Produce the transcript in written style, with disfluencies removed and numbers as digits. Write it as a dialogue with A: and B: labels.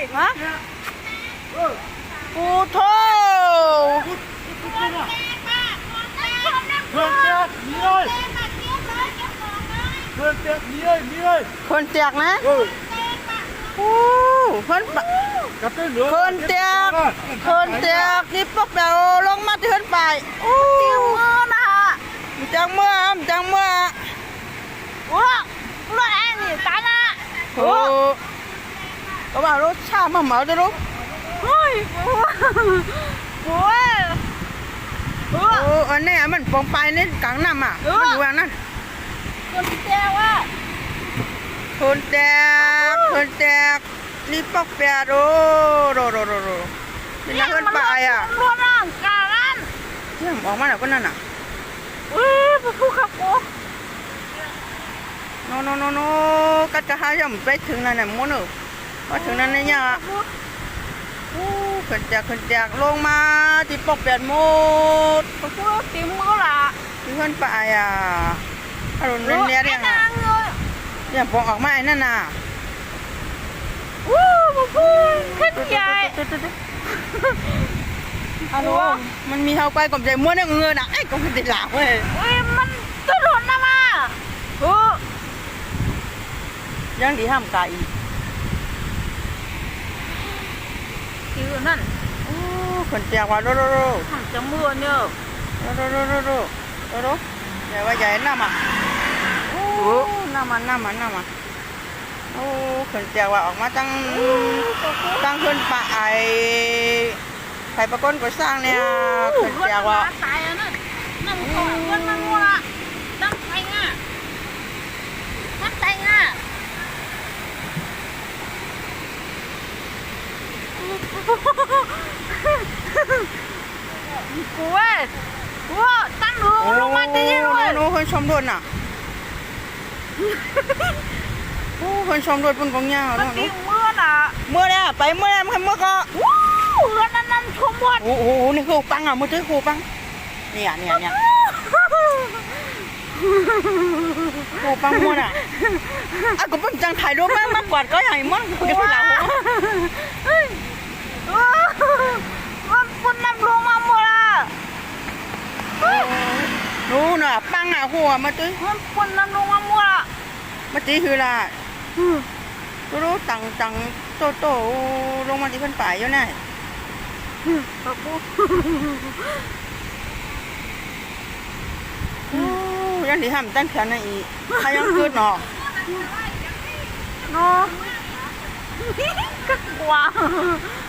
A: ฮะปูโถ
B: เพื่อนเตียกมีเลยเพื่อนเตียกมีเลยมีเลย
A: คนเตียกนะโอ้คน
B: กระตุ้นเหลือ
A: คนเตียกนี่พวกเราลงมาที่ขึ้นไปโอ้จังมือนะฮะจังมือโอ้รถแอนนี่ตายนะโอ้ก็ว่ารถชามาเหมาจะรู้เฮ้ยโอ้อันนี้มันปองไปนี่กลางน้ำอ่ะมันอยู่อย่างนั้นคนเตียกว่าคนเตียกนี่ปอกเปียโรเป็นนักเล่นปลายอ่ะรวมร่างกายนั่นเรื่องออกมาแล้วก็นั่นอ่ะผู้ขับโอ้โนกัดกระหายยังไปถึงนั่นน่ะม้วนพอถึงนั่นเนี่ยขึ้นจากลงมาที่ปอกเปียหมดผู้ตีมือละที่เล่นปลายอ่ะอารมณ์เล่นเนี่ยเนี่ยปองออกมาไอ้นั่นน่ะขึ้นใหญ่ฮัลโหลมันมีเฮาไปกับใจม้วนเงินน่ะไอ้ก็มันติดหลาเว้ยมันตุ่นนะมายังดีห้ามไก่คือนั่นคนเจียว่าโรทำจังมือเนี่ยโรใหญ่ว่าใหญ่น้ำอ่ะน้ำมันโอ้ขึ้นเจียว่าออกมาตั้งขึ้นป่าไข่ปลาก้นก็สร้างเนี่ยขึ้นเจียว่าตายอ่ะนั่นก่อนมันมัวละตั้งไฟง่ะมันไฟง่ะกูเว้ยว้าตั้งลงมาตีเลยโน้คนชมด้วยน่ะโอ้คนชมด้วยปุ่นกองยาวเนาะเมื่อเนี่ยไปเมื่อมันเมื่อก็นั่นชมด้วยโอ้โหนี่คือปังอ่ะมือถือครูปังเนี่ยครูปังมั่วน่ะอ่ะก็เป็นจังถ่ายรูปมากกว่าก็ใหญ่มั่งคุยกันแล้วมันปุ่นน้ำลงมาหมดอ่ะนู้นน่ะปังอ่ะหัวมาตื้อมันปุ่นน้ำลงมาหมดอ่ะมาตีคือละรู้ตังโตลงมาที่ขึ้นป่าอยู่ไหนยังดีทำตั้งแขนอีกใครยังเกิดหนอก็กลัว